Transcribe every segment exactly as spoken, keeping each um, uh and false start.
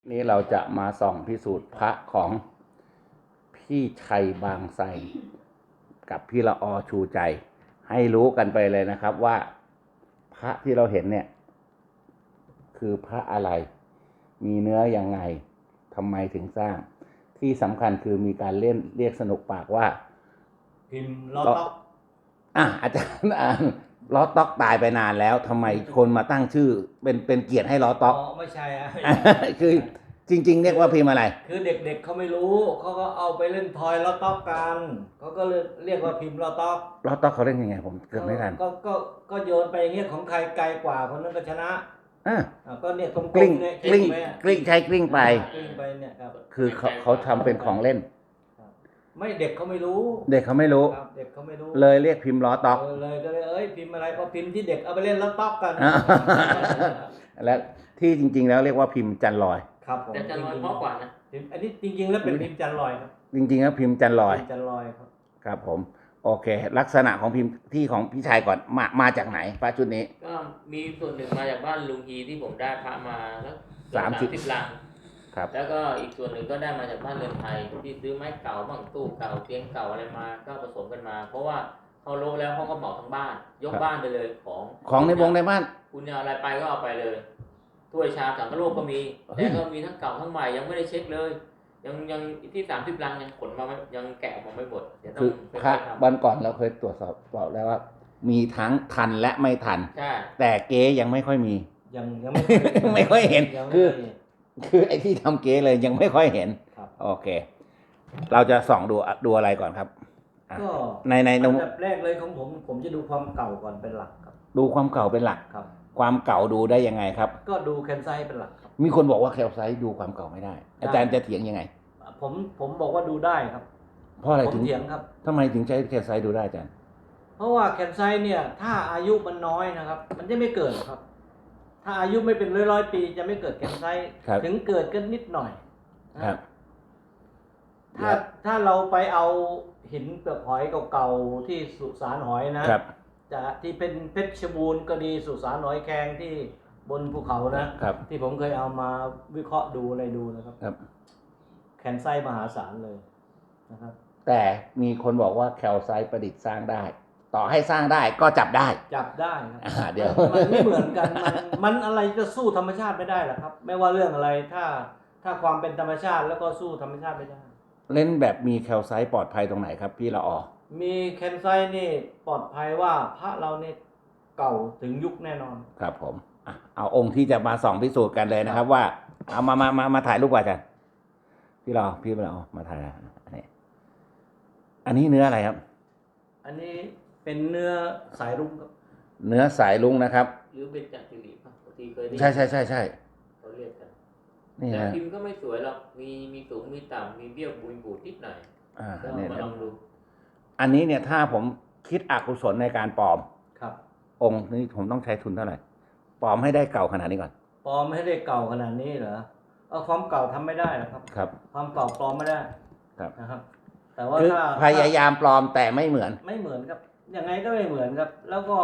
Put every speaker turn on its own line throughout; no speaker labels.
นี้เราจะมาส่องพิสูจน์พระของพี่ชัยบางไทรกับพี่ละออชูใจให้รู้กันไปเลยนะครับว่าพระที่เราเห็นเนี่ยคือพระอะไรมีเนื้อยังไงทำไมถึงสร้างที่สำคัญคือมีการเล่นเรียกสนุกปากว่า
พิมพ์ล้อต๊อก
อ่ะอาจารย์อ่านล้อต๊อกตายไปนานแล้วทำไมคนมาตั้งชื่อเป็นเป็นเกียรติให้ล้อต๊อก
อ๋อไม่ใช่อ่ะ
คือจริงๆเรียกว่าพิมพ์อะไร
คือเด็กๆเขาไม่รู้เขาก็เอาไปเล่นทอยล้อต๊อกกันเขาก็เลยเรียกว่าพิมพ์ล้อต๊อก
ล้อต๊อกเขาเล่นยังไงผมเกือบไม่ทัน
ก็ก็ก็โยนไปอย่างเงี้ยของใครไกลกว่าคนนั้นก็ชนะ
อ่า
ก็เนี่ยตรง
กลิ้ง
เนี่ย
กลิ้งกลิ้งใช้กลิ้งไป
กลิ้งไปเนี่ยครับ
คือเขาเขาทำเป็นของเล่น
ไม่เด็กเขาไม่รู้
เด็กเขาไม่รู้
เด็กเขาไม่รู้
เลยเรียกพิมพ์ล้อต๊อก
เลยก็เลยเอ้ยพิมพ์อะไรก็พิมพ์ที่เด็กเอาไปเล่นล้อต๊อกกัน
แล้วที่จริงๆแล้วเรียกว่าพิมพ์จันลอย
ครับผม
แต่จันลอยเพราะกว่านะ
อันนี้จริงๆแล้วเป็นพิมพ์จันลอยครับ
จริงๆแล้วพิมพ์จันลอย
จันลอยครับ
ครับผมโอเคลักษณะของพิมพ์ที่ของพี่ชายก่อนมามาจากไหนพระชุดนี้
ก็มีส่วนหนึ่งมาจากบ้านลุงฮีที่ผมได้พระมาแล้ว
สามสิบ
ลัง
ครับ
แล้วก็อีกส่วนหนึ่งก็ได้มาจากบ้านเรือนไทยที่ซื้อไม้เก่าบ้างตู้เก่าเตียงเก่าอะไรมาก็ผสมกันมาเพราะว่าเขาโลแล้วเขาก็เหมาทั้งบ้านยกบ้านไปเลยของ
ของในวงในบ้าน
คุณจะอะไรไปก็เอาไปเลยถ้วยชามสังฆโลกก็มีแต่ก็มีทั้งเก่าทั้งใหม่ยังไม่ได้เช็คเลยยังยังที่สามสิบลังยังขนมายังแกะออกมาไม่หมด
คือพระวันก่อนเราเคยตรวจสอบบอกแล้วว่ามีทั้งทันและไม่ทันแต่เก๊ยังไม่ค่อยมี
ยังยังไม่
ไม่ค่อยเห็นคือคือไอ้ที่ทำเก๊เลยยังไม่ค่อยเห็นโอเคเราจะส่องดูดูอะไรก่อนครับ
ก็
ในใน
อันดับแรกเลยของผมผมจะดูความเก่าก่อนเป็นหลักครับ
ดูความเก่าเป็นหลัก
ครับ
ความเก่าดูได้ยังไงครับ
ก็ดูแคนไซต์เป็นหลักครับ
มีคนบอกว่าแคลไซต์ดูความเก่าไม่ได้อาจารย์จะเถียงยังไง
ผมผมบอกว่าดูได้ครับ
เพราะอะไรถึง
เถียงครับ
ทำไมถึงใช้แคลไซต์ดูได้อาจารย์
เพราะว่าแคนไซต์เนี่ยถ้าอายุมันน้อยนะครับมันจะไม่เกิดครับถ้าอายุไม่เป็นร้อยร้อยปีจะไม่เกิดแคนไซต์ถึงเกิดกันนิดหน่อย
ครับ
ถ้าถ้าเราไปเอาหินเปลือกหอยเก่าๆที่สุสานหอยนะจะที่เป็นเพชรบูรณ์ก็ดีสุสานหอยแครงที่บนภูเขานะที่ผมเคยเอามาวิเคราะห์ดูอะไรดูนะครับแคนไซต์มหาศาลเลยนะครับ
แต่มีคนบอกว่าแคลไซต์ประดิษฐ์สร้างได้ต่อให้สร้างได้ก็จับได้
จับได้ครับ
เดี๋ยว
มันไม่เหมือนกันมันมันอะไรจะสู้ธรรมชาติไม่ได้หรอกครับไม่ว่าเรื่องอะไรถ้าถ้าความเป็นธรรมชาติแล้วก็สู้ธรรมชาติไม่ได้
เล่นแบบมีแคลไซต์ปลอดภัยตรงไหนครับพี่ละออ
มีแคนไซต์นี่ปลอดภัยว่าพระเราเนี่ยเก่าถึงยุคแน่นอน
ครับผมเอาองค์ที่จะมาส่องพิสูจน์กันเลยนะครับว่าเอามามามามาถ่ายรูปก่อนกันพี่ละอพี่ละออมาถ่ายอันนี้อันนี้เนื้ออะไรครับ
อันนี้เป็นเนื้อสายรุ้งครับ
เนื้อสายรุ้งนะครับ
หรือเป็นจากจิริป่ะบางทีเคยได้
ใช่ใช่ใช่ใช่
เขาเรียกกันแต่พิมพ์ก็ไม่สวยหรอกมีมีสูงมีต่ำมีเบี้ยวบุยบูดนิดหน่อย
อ่า
ก็มาลองดู
อันนี้เนี่ยถ้าผมคิดอกุศลในการปลอม
ครับ
องค์นี้ผมต้องใช้ทุนเท่าไหร่ปลอมให้ได้เก่าขนาดนี้ก่อน
ปลอมให้ได้เก่าขนาดนี้เหรอเอาความเก่าทำไม่ได้หรอกครับ
ครับ
ความเก่าปลอมไม่ได้
ครับ
นะครับแต่ว่าถ้า
พยายามปลอมแต่ไม่เหมือน
ไม่เหมือนครับยังไงก็ไม่เหมือนครับแล้วก็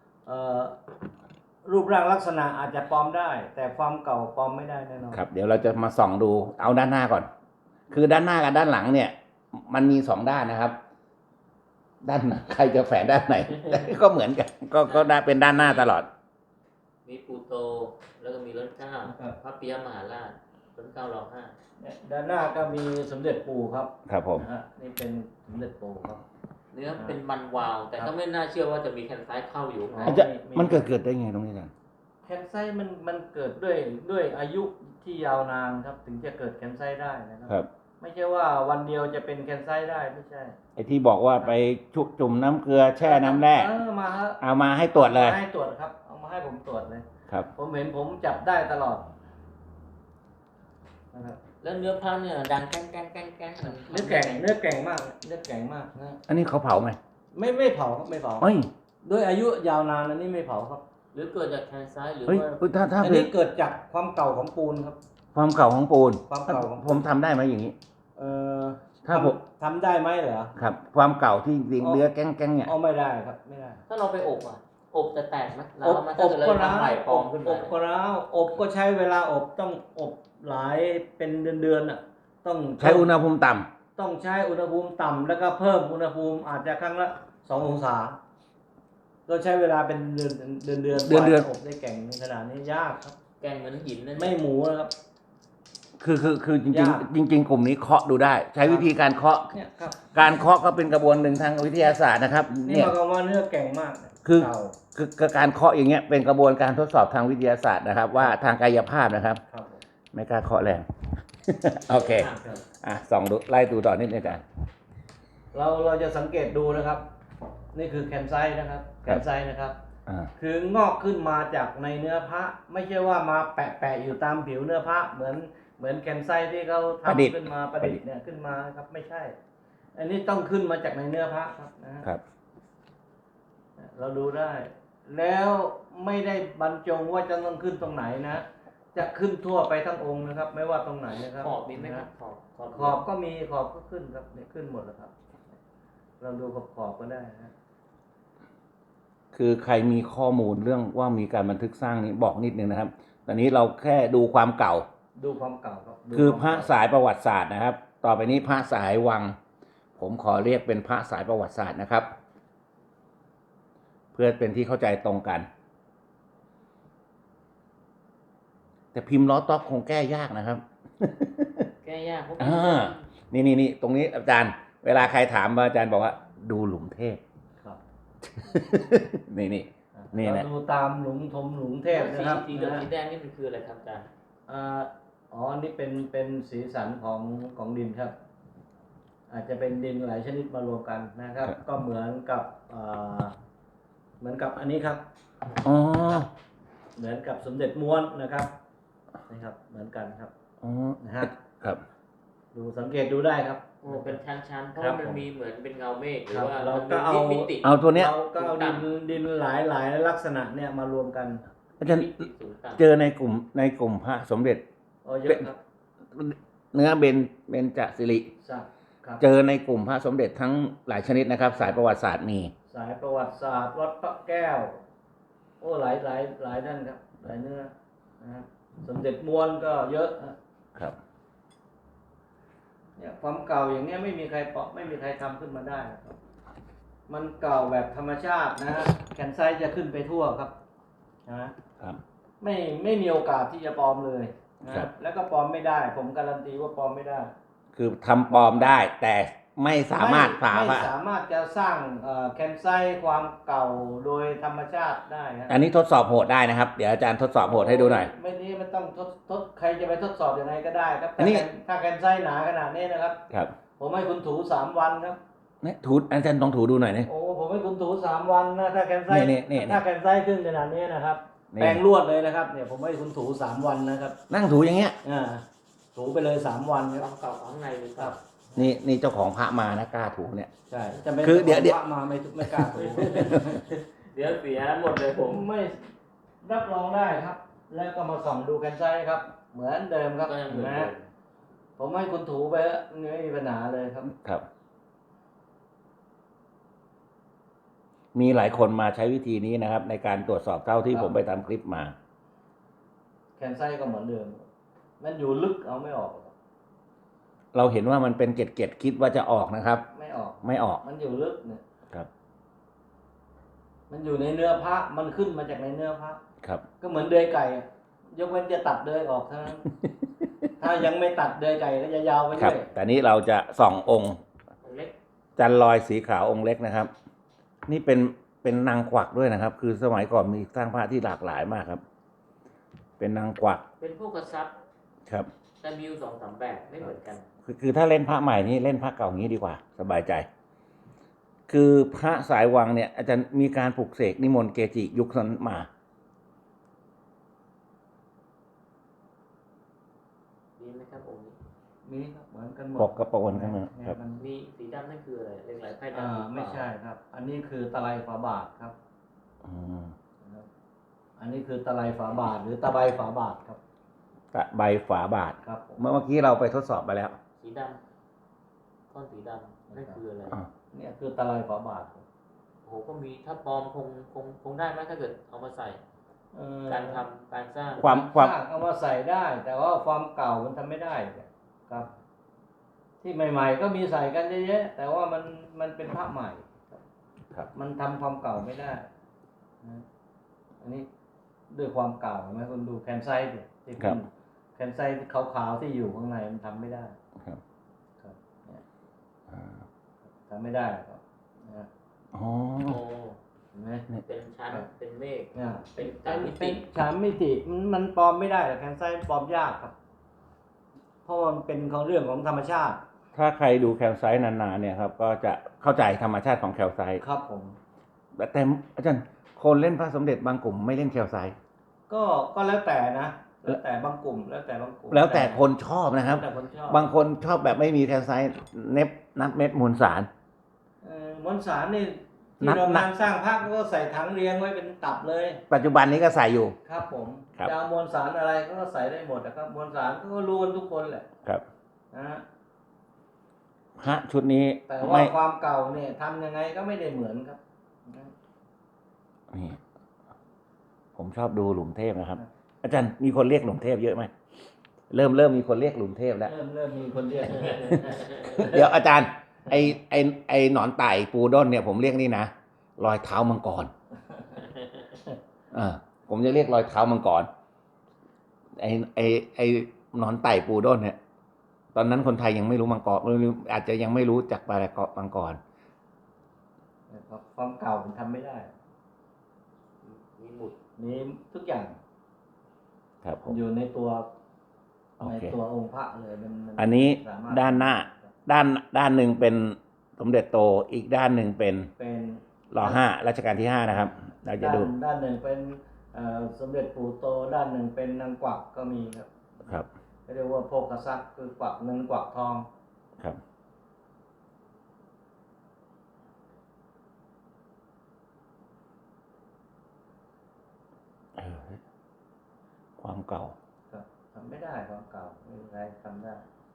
รูปร่างลักษณะอาจจะปลอมได้แต่ความเก่าปลอมไม่ได้แน่นอน
ครับเดี๋ยวเราจะมาส่องดูเอาด้านหน้าก่อนคือด้านหน้ากับด้านหลังเนี่ยมันมีสองด้านนะครับด้านใครจะแฝงด้านไหนก็เหมือนกันก็ก็ได้เป็นด้านหน้าตลอด
มีปูโตแล้วก็มีรถเก้าพระปิยมหาราชรถเก้ารอห้า
ด้านหน้าก็มีสมเด็จปู่ครับ
ครับผม
นี่เป็นสมเด็จปู่ครับ
เนื้อเป็นมันวาวแต่ก็ไม่น่าเชื่อว่าจะมีแคนไซต์เข้าอยู่
มันเกิดเกิดได้ไงตรงนี้อาจารย์
แคนไซต์มันมันเกิดด้วยด้วยอายุที่ยาวนานครับถึงจะเกิดแคนไซต์ได้นะครับไม่ใช่ว่าวันเดียวจะเป็นแคนไซต์ได้ไม่ใช่
ไอ้ที่บอกว่าไปชุบจุ่มน้ำเกลือแช่น้ำแร่
เอามา
เอามาให้ตรวจเลย
ให้ตรวจครับเอามาให้ผมตรวจเลย
ครับ
ผมเห็นผมจับได้ตลอด
นะครับแล้วเนื้อพระเนี่ยดังแก้งแก้งแก้งแก้ง
เนื้อแก่งเนื้อแก่งมากเนื้อแก่งมากนะ
อันนี้เขาเผาไหม
ไม่ไม่เผาครับไม่เผาด้วยอายุยาวนานอันนี้ไม่เผาครับ
หรือเกิดจากแคนไซต์หรือ
ว่าถ้าถ้า
อันนี้เกิดจากความเก่าของปูนครับ
ความเก่าของปูน
ความเก่าของ
ผมทำได้ไหมอย่างนี้
เออถ้าผมทำได้ไหมเหรอ
ครับความเก่าที่จริงเนื้อแก้งแก้งเนี่ย
อ๋อไม่ได้ครับไม่ได้
ถ้าเราไปอบอ่ะอบจะแตกไหม
อบอบก็ร้าวอบก็ร้าวอบก็ใช้เวลาอบต้องอบหลายเป็นเดือนๆอ่ะต้อง
ใช้อุณหภูมิต่ำ
ต้องใช้อุณหภูมิต่ำแล้วก็เพิ่มอุณหภูมิอาจจะครั้งละสององศาก็ใช้เวลาเป็นเดือนเดือนเดือน
เดือนเดือน
อบได้แก่งขนาดนี้ยากครับ
แกงเหมือนหินนั่น
ไม่หมูนะครับ
คือคือคือจริง
ยาก
ๆจริง ๆ กลุ่มนี้เคาะดูได้ ใช้วิธีการเคาะ
เนี่ยครับ
การเคาะก็เป็นกระบวนหนึ่งทางวิทยาศาสตร์นะครับ
นี่
เนี่ย
หมายความว่าเนื้อแก่งมากเนี่ย
คือ
เก่า
คือคือการเคาะอย่างเงี้ยเป็นกระบวนการทดสอบทางวิทยาศาสตร์นะครับ ว่าทางกายภาพนะครับ
ครับผม
ไม่กล้าเคาะแรง โอเค
ครับ
อ่ะส่องดูไล่ดูต่อนิดนึงกัน
เราเราจะสังเกตดูนะครับ นี่คือแคนไซต์นะครับแคนไซต์นะครับ
อ่า
คืองอกขึ้นมาจากในเนื้อพระไม่ใช่ว่ามาแปะแปะอยู่ตามผิวเนื้อพระเหมือนเหมือนแคนไซต์ที่เขา
ประดิษฐ์
ทำขึ้นมาประดิษฐ์เนี่ยขึ้นมาครับไม่ใช่ อันนี้ต้องขึ้นมาจากในเนื้อพระครับนะฮะ
ครับ
เราดูได้ แล้วไม่ได้บรรจงว่าจะต้องขึ้นตรงไหนนะ จะขึ้นทั่วไปทั้งองค์นะครับ ไม่ว่าตรงไหนนะครับ
ขอบมีไหมครับขอบขอบ
ขอบก็มีขอบก็ขึ้นครับเนี่ยขึ้นหมดแล้วครับ เราดูขอบขอบก็ได้นะ
คือใครมีข้อมูลเรื่องว่ามีการบันทึกสร้างนี้บอกนิดนึงนะครับ ตอนนี้เราแค่ดูความเก่า
ดูความเก่าครับดู
คือ
วาม
พระ
เก่า
สายประวัติศาสตร์นะครับ ต่อไปนี้พระสายวัง ผมขอเรียกเป็นพระสายประวัติศาสตร์นะครับ เพื่อเป็นที่เข้าใจตรงกัน แต่พิมพ์ล้อต๊อกคงแก้ยากนะครับ
แก้ยากเพราะ
อ่า นี่นี่นี่ตรงนี้อาจารย์ เวลาใครถามมาอาจารย์บอกว่า ดูหลุมเทพ
ครับ
นี่นี่ นี่แหละ
เราดูตามหลุมทมหลุมเทพ
สี
นะครับ
สีเหลือง
นะ
สีแดงนี่มันคืออะไรครับอาจารย์
อ่าอ๋อ นี่เป็นเป็นสีสันของของดินครับ อาจจะเป็นดินหลายชนิดมารวมกันนะครับ
ครับ
ก็เหมือนกับอ่าเหมือนกับอันนี้ครับ
อ๋อ
เหมือนกับสมเด็จม้วนนะครับนะครับ เหมือนกันครับ
อ๋อ
นะฮะ
ครับ
ดูสังเกตดูได้ครับ
โอ้เป็นชั้นๆเพราะ
ครั
ว่า
บ
มัน
ผม
มีเหมือนเป็นเงาเมฆหรือ
ครับ
ว่า
เรา
มัน
ก็
มี
เอา
มิติ
เอาตัวเนี้ย
เราก็เอาดินดินหลายหลายลักษณะเนี่ยมารวมกัน
อาจารย์
มิติสูงต่ำ
เจอในกลุ่มในกลุ่มพระสมเด็จ
อ๋อเยอะครับ
เนื้อเบนเบนจสิริ
สักครับ
เจอในกลุ่มพระสมเด็จทั้งหลายชนิดนะครับ สายประวัติศาสตร์มี
สายประวัติศาสตร์วัดพระแก้ว โอ้หลายหลายหลายนั่นครับ หลายเนื้อนะครับสมเด็จม้วนก็เยอะนะครับ เนี่ยความเก่าอย่างเนี้ยไม่มีใครเปาะไม่มีใครทำขึ้นมาได้ครับ มันเก่าแบบธรรมชาตินะฮะแคนไซต์จะขึ้นไปทั่วครับนะครับ ไม่ไม่มีโอกาสที่จะปลอมเลยนะครับ แล้วก็ปลอมไม่ได้ ผมการันตีว่าปลอมไม่ได้
คือทำปลอมได้ แต่ไม่สามารถผ่า
ไม่
พระ
สามารถจะสร้างเอ่อแคนไซต์ความเก่าโดยธรรมชาติได้ครับ
อันนี้ทดสอบโหดได้นะครับ เดี๋ยวอาจารย์ทดสอบโหดให้ดูหน่อย
ไม่นี้มันต้องทดทดใครจะไปทดสอบยังไงก็ได้ครับ
อันนี้
ถ้าแคนถ้าแคนไซต์หนาขนาดนี้นะครับ
ครับ
ผมให้คุณถูสามวันครับ
เนี่ยถูอาจารย์ต้องถูดูหน่อยนี่
โอ้ผมให้คุณถูสามวันนะถ้าแคนไซต์
นี่นี่นี่
ถ้าแคนไซต์ขึ้นขนาดนี้นะครับ
นี่
แปรงลวดเลยนะครับเนี่ยผมให้คุณถูสามวันนะครับ
นั่งถูอย่างเงี้ย
อ่าถูไปเลยสามวันค
ค
รั
วา
บ
มเก่าของข้างในหรือ
ค
เปล่า
รับ
นี่นี่เจ้าของพระมานะกล้าถูเนี่ย
ใช่จะเป็น
คือเดี๋ยวเดี๋ยว
พระมาไม่ไม่กล้าถู
เดี๋ยวเสียหมดเลย
ผ
ผม ม
ไม่รับรองได้ครับ แล้วก็มาส่องดูแคนไซต์ครับ เหมือนเดิมครับ
ก็ยังเหมือน
นะ
เดิ
ฮะ
ม
ผมให้คุณถูไปเถอะไม่มีปัญหาเลยครับ
ครับ มีหลายคนมาใช้วิธีนี้นะครับ ในการตรวจสอบเท่าที่
ครับ
ผมไปทำคลิปมา
แคนไซต์ก็เหมือนเดิม มันอยู่ลึกเอาไม่ออกครับ
เราเห็นว่ามันเป็นเกล็ดๆคิดว่าจะออกนะครับ
ไม่ออก
ไม่ออก
มันอยู่ลึกเนี่ย
ครับ
มันอยู่ในเนื้อพระมันขึ้นมาจากในเนื้อพระ
ครับ
ก็เหมือนเดือยไก่อะยกเว้นจะตัดเดือยออกเท่า นั้น ถ้ายังไม่ตัดเดือยไก่ก็จะยาวไป
ครั
เรื่
บ
อย
แต่นี้เราจะส่ององค์
องค์เล็ก
จันลอยสีขาวองค์เล็กนะครับ นี่เป็นเป็นนางกวักด้วยนะครับ คือสมัยก่อนมีสร้างพระที่หลากหลายมากครับ เป็นนางกวัก
เป็นพวกกระซับ
ครับ
แต่มีอยู่สองสามแบบไม่เหมือนกัน
คือคือถ้าเล่นพระใหม่นี่เล่นพระเก่าอย่างนี้ดีกว่า สบายใจ คือพระสายวังเนี่ย อาจารย์มีการปลุกเสกนิมนต์เกจิยุคนั้นมา
มีไหมครับองค์นี้
มีครับเหมือนกันหมด
ปกกระปนข้างหน้าครับ
มัน
มีสีดำนั่นคืออะไรเรียงไหลไพ่
อ่า
ดำหรือเปล่า
ไม่ใช่ครับ อันนี้คือตะไลฝาบาทครับ
อืม
นะครับ อันนี้คือตะไลฝาบาทหรือตะไบฝาบาทครับ
ตะใบฝาบาท
ครับผม
เมื่อกี้เราไปทดสอบไปแล้ว
สีดำก้อนสีดำนั่นคืออะไร
อ่า
เนี่ยคือตะไลฝาบาทครับ
โอ้โหก็มีถ้าปลอมคงคงคงได้ไหมถ้าเกิดเอามาใส่
เอ่อ
การทำการสร้าง
ความความ
สร้างเอามาใส่ได้ แต่ว่าความเก่ามันทำไม่ได้ครับ ที่ใหม่ ๆ ก็มีใส่กันเยอะๆแต่ว่ามันมันเป็นพระใหม่
ครับ
มันทำความเก่าไม่ได้นะอันนี้ด้วยความเก่าเห็นไหมคุณดูแคนไซต์ดิที่
ครับ
แคนไซต์ขาวๆที่อยู่ข้างในมันทำไม่ได้
ครับ
ครับเนี่ย
อ่า
ทำไม่ได้ครับนะ
อ๋อ
โอ้
เห็นไหม
เป็นชั้นเป็นเมฆ
เนี่ย
เป็น
เป็
สาม
น
มิ
เป็
ติ
นสามมิติมันมันปลอมไม่ได้หรอกแคนไซต์ปลอมยากครับ เพราะว่ามันเป็นของเรื่องของธรรมชาติ
ถ้าใครดูแคลไซต์นานๆเนี่ยครับก็จะเข้าใจธรรมชาติของแคลไซต์
ครับผม
แต่อาจารย์คนเล่นพระสมเด็จบางกลุ่มไม่เล่นแคลไซต์
ก็ก็แล้วแต่นะ แล้วแต่บางกลุ่ม แล้วแต่บางกลุ่ม
แล้วแต่คนชอบนะครับ
แล้วแต่คนชอบ
บางคนชอบแบบไม่มีแคลไซต์เน็บนับเม็ดมวลสาร
เอ่อมวลสารนี่
นั
ที่
บ
โรงงานสร้างพระก็ใส่ถังเรียงไว้เป็นตับเลย
ปัจจุบันนี้ก็ใส่อยู่
ครับผม
ครับ
จะเอามวลสารอะไรก็ใส่ได้หมดนะครับมวลสารก็รู้กันทุกคนแหละ
ครับ
นะฮะ
พระชุดนี้
แต่ว่า
ไม่
ความเก่าเนี่ยทำยังไงก็ไม่ได้เหมือนครับนะ
นี่ผมชอบดูหลุมเทพนะครับ อาจารย์มีคนเรียกหลุมเทพเยอะไหมเริ่มเริ่มมีคนเรียกหลุมเทพแล้ว
เริ่มเริ่มมีคนเรียก
เดี๋ยวอาจารย์ ไอไอไอหนอนไต่ปูด้นเนี่ยผมเรียกนี่นะรอยเท้ามังกรเออผมจะเรียกรอยเท้ามังกรไอไอไอหนอนไต่ปูด้นเนี่ย ตอนนั้นคนไทยยังไม่รู้มังกรอาจจะยังไม่รู้จักปลาเกาะมังกร
ความเก่ามันทำไม่ได้
มีหมุด
นี่ทุกอย่าง
ครับผม
อยู่ในตัว
โอ
ใน
เค
ตัวองค์พระเลยมันมั
อันนี้
สมรถ
ด้านหน้า ด้านด้านหนึ่งเป็นสมเด็จโตอีกด้านหนึ่งเป็น
เป็น
รอห้ารัชกาลที่ห้านะครับ เราจะ
ด้าน
ดู
ด้านหนึ่งเป็นเอ่อสมเด็จปู่โตด้านหนึ่งเป็นนางกวักก็มีครับ
ครับ
เรียกว่าโภคทรัพย์คือกวักเงินกวักทอง
ครับเออความเก่า
ครับทำไม่ได้ความเก่าไม่มีใครทำได้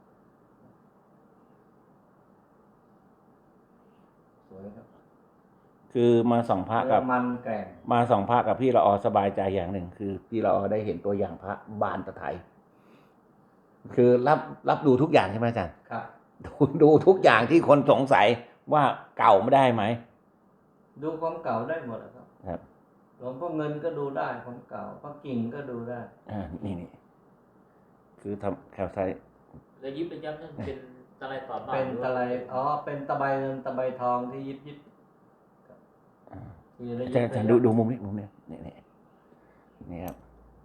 สวยครับ
คือมาส่องพระกับ
เนื้อมันแกร่ง
มาส่องพระกับพี่ละออสบายใจอย่างหนึ่ง คือพี่ละออได้เห็นตัวอย่างพระบานตะไทย คือรับรับดูทุกอย่างใช่ไหมอาจารย์
ครับ
ดูดูทุกอย่างที่คนสงสัยว่าเก่าไม่ได้ไหม
ดูความเก่าได้หมดอะครับ
ครับ
หลวงพ่อเงินก็ดูได้ความเก่าพระกิ่งก็ดูได้
อ่านี่นี่คือทำแคลไซต์
แล้วยิบเป็นย้ำนั่นเป็นตะไลฝาบาท
เป็น
หรือ
ตะ
ว่า
ไลอ๋อเป็นตะไบเงินตะไบทองที่ยิบยิบ
อ่า
ที่ระ
อา
ยิ
จาร
บ
ย์อาจารย์ดูดูมุมนี้มุมนี้นี่นี่นี่ครับ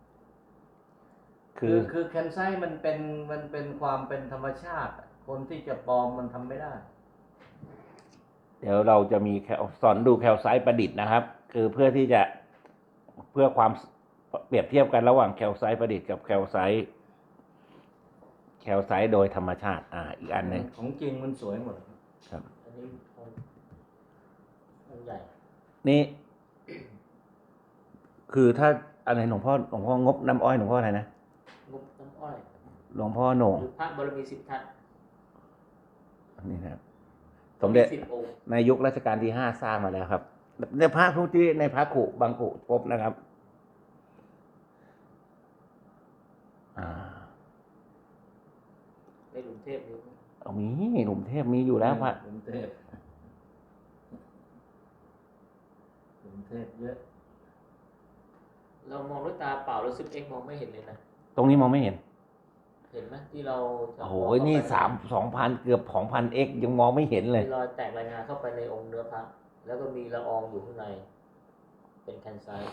คื
คือ อคือแคนไซต์มันเป็นมันเป็นความเป็นธรรมชาติอะคนที่จะปลอมมันทำไม่ได้
เดี๋ยวเราจะมีแคลสอนดูแคลไซต์ประดิษฐ์นะครับ คือเพื่อที่จะเพื่อความเปรียบเทียบกันระหว่างแคลไซต์ประดิษฐ์กับแคลไซต์แคลไซต์โดยธรรมชาติ อ่า อีกอันหนึ่ง
ของจริงมันสวยหมด
ครับ
อันนี้องค์องค์ใหญ่
นี่ คือถ้าอะไรหลวงพ่อหลวงพ่องบน้ำอ้อยหลวงพ่ออะไรนะ
งบน้ำอ้อย
หลวงพ่อโหน่ง
หรือพระบารมีสิบทัศน์
นี่นะครับสมเด็จ
สิบองค์
ในยุครัชกาลที่ห้าสร้างมาแล้วครับ ในพระทุกที่ในพระขุบางขุพบนะครับ อ่า
ในหลุมเทพนี้
เอามีหลุมเทพมีอยู่แล้วพระ
กรุงเทพกรุงเทพเยอะ
เรามองด้วยตาเปล่าแล้วซิปเอ็กมองไม่เห็นเลยนะ
ตรงนี้มองไม่เห็น
เห็นไหมที่เราจะ
โอ้โห
มงเข้าไป
นี่สามสองพันเกือบสองพันเอ็กยังมองไม่เห็นเลย
มีรอยแตกรายงานเข้าไปในองค์เนื้อพระแล้วก็มีละอองอยู่ข้างใน เป็นแคนไซต์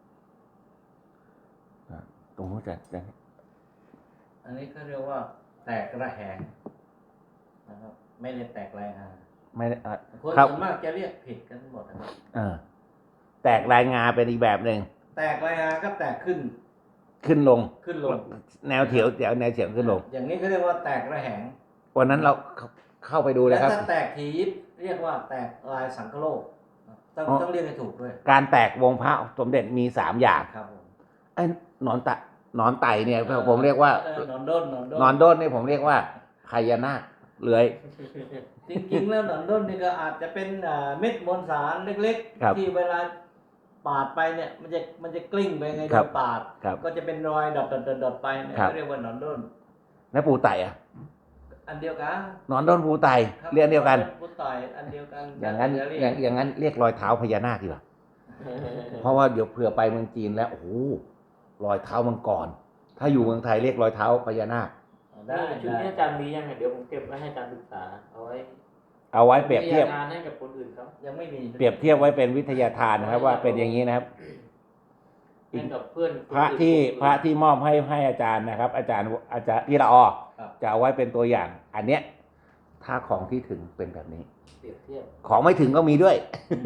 ตรงนู้นจะจะ
อันนี้ก็เรียกว่าแตกระแหงนะครับไม่ได้แตกรายงาน
ไม่ได้อ่ะ
คน
ครับ
ส่วนมากจะเรียกผิดกันหมดนะครับ
เออแตกรายงาเป็นอีกแบบหนึ่ง
แตกรายงานก็แตกขึ้น
ขึ้นลง
ขึ้นลง
แนวเถียวแถวแนวเฉียงขึ้นลง
อย่างนี้เขาเรียกว่าแตกระแหง
วันนั้นเราเข้าเข้าไปดูเล
แล้
ยว ครับ
ถ้าแตกทียิบเรียกว่าแตกลายสังคโลกต้อง
อ๋อ
ต้องเรียกให้ถูกด้วย
การแตกวงพระสมเด็จมีสามอย่าง
ครับผม
ไอ้หนอนตะหนอนไต่เนี่ยผมเรียกว่า
เออนอนด้นนอนด้น
หนอนด้นเนี่ยผมเรียกว่าพญานาคเลื้อย
จริงๆแล้วหนอนด้นนี่ก็อาจจะเป็นอ่าเม็ดมวลสารเล็ก
ครับ
ๆ ที่เวลาปาดไปเนี่ยมันจะมันจะกลิ้งไปไง
ค
โด
รับ
นปาด
ครับ
ก็จะเป็นรอยดอทดอทดอทดอทไปเนี่ย
ครับ
เขาเรียกว่าหนอนด้น
แล้วปูไต่อะ
อันเดียวกัน
หนอนด้นปูไต่
ครับ
เรียกเดียวกัน
พุทต่อยอันเดียวกัน
อย่างนั้น
จะเรี
อย่าง
ก
อย่างนั้นเรียกรอยเท้าพญานาคดีกว่าเพราะว่าเดี๋ยวเผื่อไปเมืองจีนแล้วโอ้โหรอยเท้ามังกรถ้าอยู่เมืองไทยเรียกรอยเท้าพญานาค
ได้
นี่ชุด
ได้
นี้อาจารย์มียังไงเดี๋ยวผมเก็บไว้ให้อาจารย์ศึกษาเอาไว้
เอาไว้เปรียบเทียบ
วิทาทานให้กับคนอื่นเขา
ยังไม่มี
เปรียบเทียบไว้เป็นวิทยาทานนะครับว่าเป็นอย่างนี้นะครับ
ให้กับเพื่อน
พระที่พระที่มอบให้ให้อาจารย์นะครับ อาจารย์อาจารย์พี่ละออ
ครับ
จะเอาไว้เป็นตัวอย่าง อันเนี้ยถ้าของที่ถึงเป็นแบบนี้
เปรียบเทียบ
ของไม่ถึงก็มีด้วย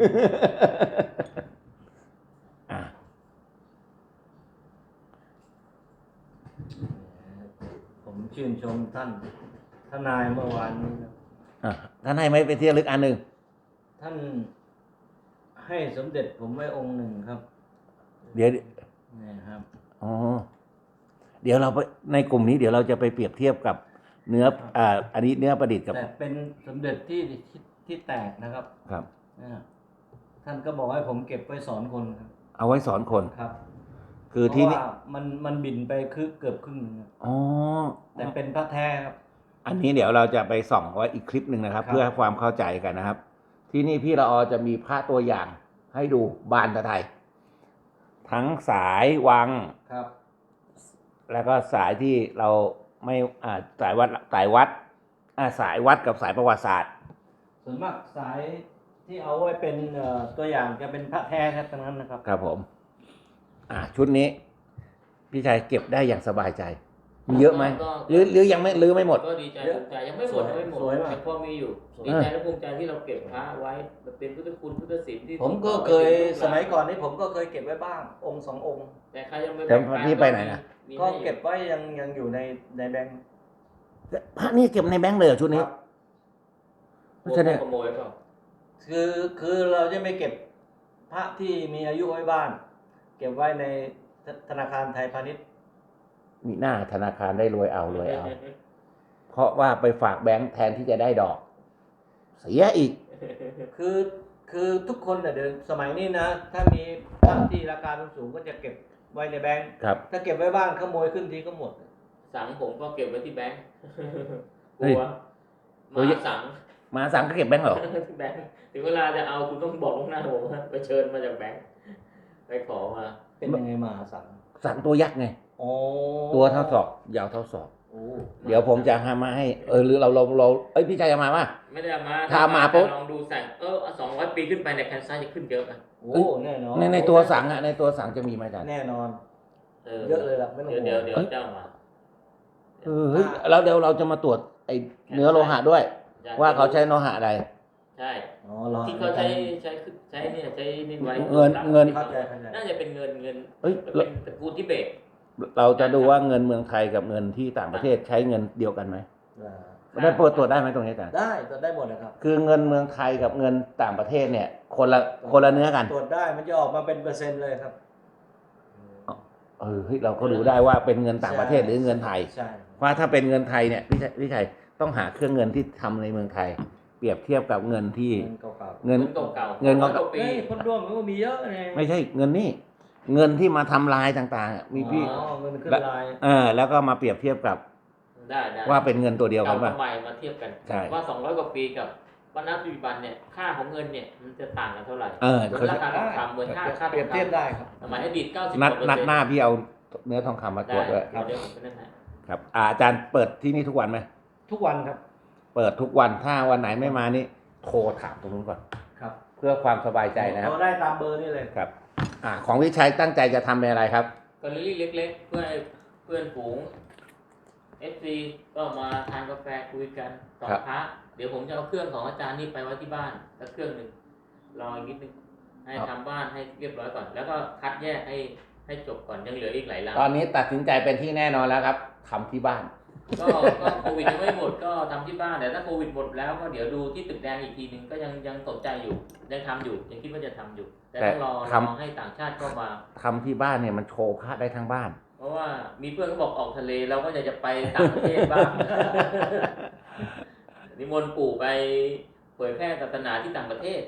อ่ะ
ผมชื่นชมท่านทนายเมื่อวานนี้นะ
อ่ะท่านให้ไหมเป็นที่ระลึกอันหนึ่ง
ท่านให้สมเด็จผมไว้องค์หนึ่งครับ
เดี๋ยว
นี่ครับ
อ๋อเดี๋ยวเราไปในกลุ่มนี้เดี๋ยวเราจะไปเปรียบเทียบกับเนื้ออ่าอันนี้เนื้อประดิษฐ์กับ
แต่เป็นสมเด็จที่ที่ที่แตกนะครับ
ครับ
นะท่านก็บอกให้ผมเก็บไว้สอนคนครับ
เอาไว้สอนคน
ครับ
คือที่
เพ
นี่
ราะว่ามันมันบินไปคือเกือบครึ่งหนึงครับ
อ๋อ
แต่เป็นพระแท้ครับ
อันนี้เดี๋ยวเราจะไปส่องไว้อีกคลิปหนึ่งนะครับ
ครับ
เพื่อความเข้าใจกันนะครับ ที่นี่พี่ละออจะมีพระตัวอย่างให้ดูบานตะไทย ทั้งสายวัง
ครับ
แล้วก็สายที่เราไม่อ่าสายวัดสายวัดอ่าสายวัดกับสายประวัติศาสตร์
ส่วนมากสายที่เอาไว้เป็นเอ่อตัวอย่างจะเป็นพระแท้ครับทั้งนั้นนะครับ
ครับผม อ่าชุดนี้ พี่ชายเก็บได้อย่างสบายใจ มีเยอะไหม
ก็
หรือหรือยังไม่หรือไม่หมด
ก็ดีใจภูมิใจยังไม่หมดยังไม่หมด
สวยมาก
แต่พอมีอยู่
สวย
ดีใจและภูมิใจที่เราเก็บพระไว้มันเป็นพุทธคุณพุทธศิลป์ที่
ผมก็
ส่งต่อ
เคย
ไปถึงลูหลา
สมัยก่อนนี้ผมก็เคยเก็บไว้บ้าง องค์สององค์
แต่ใครยังไม่
แต่
แบ่งปั
พี่ไปไหนนะ
มี
ก็
ให้อยู่
เก็บไว้ยังยังอยู่ในในแบงค์
พระนี่เก็บในแบงค์เลยเหรอชุดนี้
ครับ
เพราะฉะนั้น
ขโมยเปล่า
คือคือเราจะไม่เก็บพระที่มีอายุไว้บ้าน เก็บไว้ในธนาคารไทยพาณิชย์
มีหน้าธนาคารได้รวยเอารวยเอา เพราะว่าไปฝากแบงค์แทนที่จะได้ดอก เสียอีก
คือคือทุกคนเนี่ยเดี๋ยวสมัยนี้นะ ถ้ามีพระที่ราคาสูงๆก็จะเก็บไว้ในแบงค์
ครับ
ถ้าเก็บไว้บ้านขโมยขึ้นทีก็หมด
สังผมก็เก็บไว้ที่แบงค์ก
เฮ้ย
ลัวมาสัง
มาสั่งก็เก็บแบงค์เหรอ
แบงค์ถึงเวลาจะเอาคุณต้องบอกล่วงหน้าผมว่าไปเชิญมาจากแบงค์ไปขอมา
เป็นยังไงมหาสัง
สั่งตัวยักษ์ไง
โอ้
ตัวเท่าศอกยาวเท่าศอก
โอ้
เดี๋ยวผมจะหามาให้ เออหรือเราเราเราเอ้ยพี่ชายจะมาป่ะ
ไม่ได้เอามา
ถ้ามาปุ๊บ
ลองดูสั่งเออสองร้อยปีขึ้นไปในยแคนซ่าจะขึ้นเยอะนะ
โอ้แน่นอน
ในในตัวสั่งอะในตัวสั่งจะมีไหมอาจารย์
แน่นอน
เออ
เยอะเลยล่ะไม่ต้อง
เดี๋ยว
ห่
เดี๋ยว
วง
เดี๋ยวเจ้ามา
เออเฮ้ยแล้วเดี๋ยวเราจะมาตรวจไอ้เนื้อโลหะด้วย ว่าเขาใช้โลหะอะไร
ใช่
อ๋อรอ
ที่เขาใช้ใช้ใช้เนี่ยใช้นี่ไว้
เงินเงิน
เข้าใจเข้าใจ
น่าจะเป็นเงินเงิน
เอ้ย
เป็นตระกูลทิเบต
เราจะดูว่าเงินเมืองไทยกับเงินที่ต่างประเทศใช้เงินเดียวกันไหม
อ่า
ได้เปิดตรวจได้ไหมตรงนี้อาจารย์
ได้ตรวจได้หมดนะครับ
คือเงินเมืองไทยกับเงินต่างประเทศเนี่ย คนละคนละเนื้อกัน
ตรวจได้มันจะออกมาเป็นเปอร์เซ็นต์เลยครับ
เออเฮ้ยเราก็ดูได้ว่าเป็นเงินต่างประเทศหรือเงินไทย
ใช่
เพราะถ้าเป็นเงินไทยเนี่ยพี่ชัยพี่ชัยต้องหาเครื่องเงินที่ทำในเมืองไทย เปรียบเทียบกับเงินที่
เงินเก่า
เงิน
เก่าๆ
เงินเก่า
ร้อย
ๆ
ปี
เฮ้ยคนร่วมมันก็มีเยอะไง
ไม่ใช่เงินนี่เงินที่มาทำลายต่างๆอะมีพี่
อ๋อเงินขึ้นลาย
เออแล้วก็มาเปรียบเทียบกับ
ได้ได้
ว่าเป็นเงินตัวเดียวกัน
เก่า
ป่ะ
กับใหม่มาเทียบกัน
ใช่
ว่าสองร้อยกว่าปีกับวันนับปัจจุบันเนี่ยค่าของเงินเนี่ยมันจะต่างกันเท่าไหร่
เออ
เหมือน
เขา
ราคาทองคำเหมือนค่าค่าท
เปรี
อย
บ
ง
เทียบ
คำ
ได้ครับ
สมัยอดีตเก้าสิบ
นัด
กว่าเปอร์
นัด
เซ็นต์
หน้าพี่เอาเนื้อทองคำมาตรวจด้วย
ได้เดี๋ยวผมไปนั่นให้
ครับอ่าอาจารย์เปิดที่นี่ทุกวันไหม
ทุกวันครับ
เปิดทุกวันถ้าวันไหนไม่มานี่โทรถามตรงนู้นก่อน
ครับ
เพื่อความสบายใจนะครับ
เราได้ตามเบอร์นี่เลย
ครับ อ่า ของวิชัยตั้งใจจะทำเป็นอะไรครับ
กอลเลอรี่เล็กๆ เพื่อให้เพื่อนฝูง เอฟ ซี ก็มาทานกาแฟคุยกันต่อ
ครับ
พระเดี๋ยวผมจะเอาเครื่องของอาจารย์นี่ไปไว้ที่บ้านสักเครื่องหนึ่งรออีกนิดนึงให้ทำบ้านให้เรียบร้อยก่อน แล้วก็คัดแยกให้ให้จบก่อนยังเหลืออีกหลายลัง
ตอนนี้ตัดสินใจเป็นที่แน่นอนแล้วครับทำที่บ้าน
ก็ก็โควิดยังไม่หมดก็ทำที่บ้านแต่ถ้าโควิดหมดแล้วก็เดี๋ยวดูที่ตึกแดงอีกทีหนึ่งก็ยังยังสนใจอยู่ยังทำอยู่ยังคิดว่าจะทำอยู่ แต่ต้องรอ
แต่
ร
ทำ
อให้ต่างชาติเข้ามา
ทำที่บ้านเนี่ยมันโชว์พระได้ทั้งบ้าน
เพราะว่ามีเพื่อนเขาบอกออกทะเลเราก็อยากจะไปต่างประเทศบ้าง นิมนต์ปู่ไปเผยแพร่ศาสนาที่ต่างประเทศ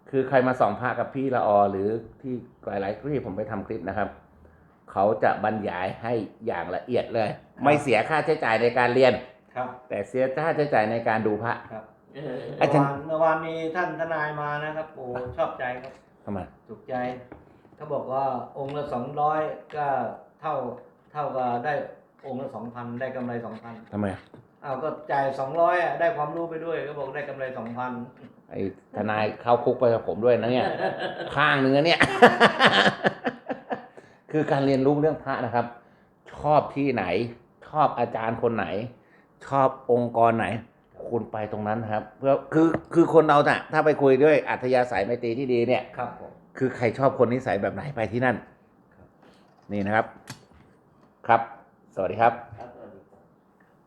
คือใครมาส่องพระกับพี่ละออหรือที่หลายๆที่ผมไปทำคลิปนะครับเขาจะบรรยายให้อย่างละเอียดเลย ไม่เสียค่าใช้จ่ายในการเรียน
ครับ
แต่เสียค่าใช้จ่ายในการดูพระ
ครับ
เออ
อา
เมื่อ
จารย์
วานเมื่อวานมีท่านทนายมานะครับโอ้ชอบใจครับ
ทำไม
ถูกใจเขาบอกว่าองค์ละสองร้อยก็เท่าเท่ากับได้องค์ละสองพันได้กำไรสองพัน
ทำไม
อ้าวก็จ่ายสองร้อยอ่ะได้ความรู้ไปด้วยก็บอกได้กำไรสองพัน
ไอ้ทนายเข้าคุกไปกับผมด้วยนะเนี่ย ข้างเนื้อเนี่ย คือการเรียนรู้เรื่องพระนะครับ ชอบที่ไหน ชอบอาจารย์คนไหน ชอบองค์กรไหน คุณไปตรงนั้นครับ เพื่อคือคือคนเราน่ะ ถ้าไปคุยด้วยอัธยาศัยไมตรีที่ดีเนี่ย
ครับผม
คือใครชอบคนนิสัยแบบไหนไปที่นั่น นี่นะครับ ครับ สวัสดีครับ
ครับ